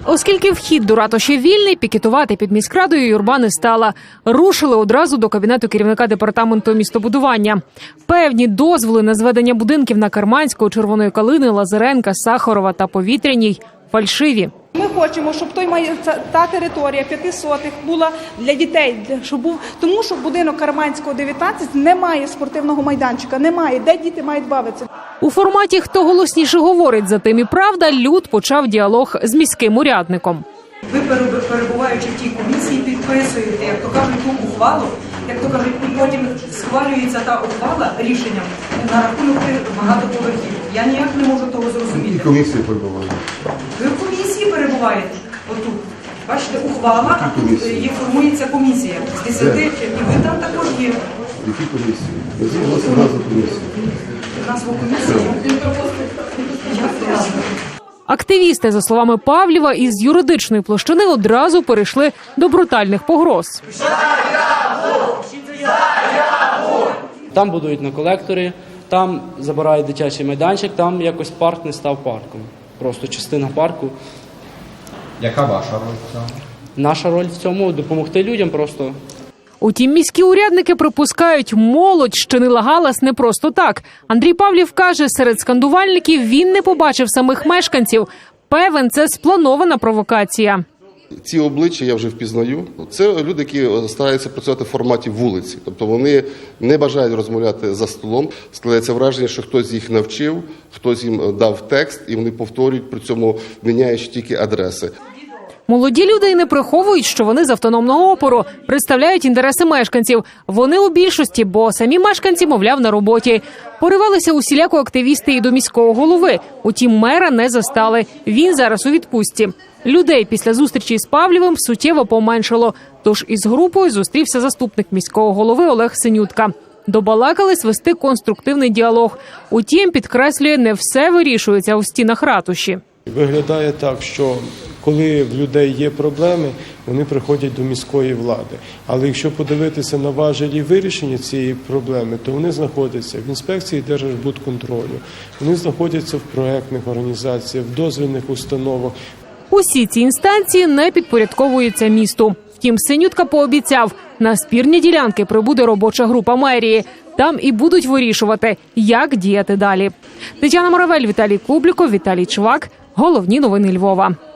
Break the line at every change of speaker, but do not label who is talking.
Оскільки вхід до ратуші вільний, пікетувати під міськрадою юрба не стала. Рушили одразу до кабінету керівника департаменту містобудування. Певні дозволи на зведення будинків на Керманського, Червоної Калини, Лазаренка, Сахарова та Повітряній – фальшиві.
Ми хочемо, щоб та територія 5 сотих була для дітей, тому що будинок Керманського 19 не має спортивного майданчика, немає, де діти мають бавитися.
У форматі «Хто голосніше говорить, за тим і правда» Люд почав діалог з міським урядником.
Ви, перебуваючи в тій комісії, підписуєте, як то кажуть, ту ухвалу, як то кажуть, потім схвалюється та ухвала рішенням на рахунок багатоповерхів. Я ніяк не можу того зрозуміти.
І комісії перебувають. Ви
в комісії перебуваєте? Отут. Бачите, ухвала, а тут є формується комісія з 10, і ви там також є.
Які комісії? Назвіть назву комісії.
Назву комісії?
Активісти, за словами Павлєва, із юридичної площини одразу перейшли до брутальних погроз.
Там будують на колекторі, там забирають дитячий майданчик, там якось парк не став парком. Просто частина парку.
Яка ваша роль в цьому?
Наша роль в цьому – допомогти людям просто.
Утім, міські урядники припускають, молодь щинила галас не просто так. Андрій Павлів каже, серед скандувальників він не побачив самих мешканців. Певен, це спланована провокація.
Ці обличчя я вже впізнаю. Це люди, які стараються працювати в форматі вулиці. Тобто вони не бажають розмовляти за столом. Складається враження, що хтось їх навчив, хтось їм дав текст, і вони повторюють, при цьому міняючи тільки адреси.
Молоді люди й не приховують, що вони з автономного опору представляють інтереси мешканців. Вони у більшості, бо самі мешканці, мовляв, на роботі. Поривалися усіляко активісти і до міського голови. Утім, мера не застали. Він зараз у відпустці. Людей після зустрічі з Павлєвим суттєво поменшало. Тож із групою зустрівся заступник міського голови Олег Синютка. Добалакались вести конструктивний діалог. Утім, підкреслює, не все вирішується у стінах ратуші.
Виглядає так, що коли в людей є проблеми, вони приходять до міської влади. Але якщо подивитися на важелі вирішення цієї проблеми, то вони знаходяться в інспекції Держбудконтролю, вони знаходяться в проектних організаціях, в дозвільних установах.
Усі ці інстанції не підпорядковуються місту. Втім, Синютка пообіцяв, на спірні ділянки прибуде робоча група мерії. Там і будуть вирішувати, як діяти далі. Тетяна Моравель, Віталій Кубліков, Віталій Чвак. Головні новини Львова.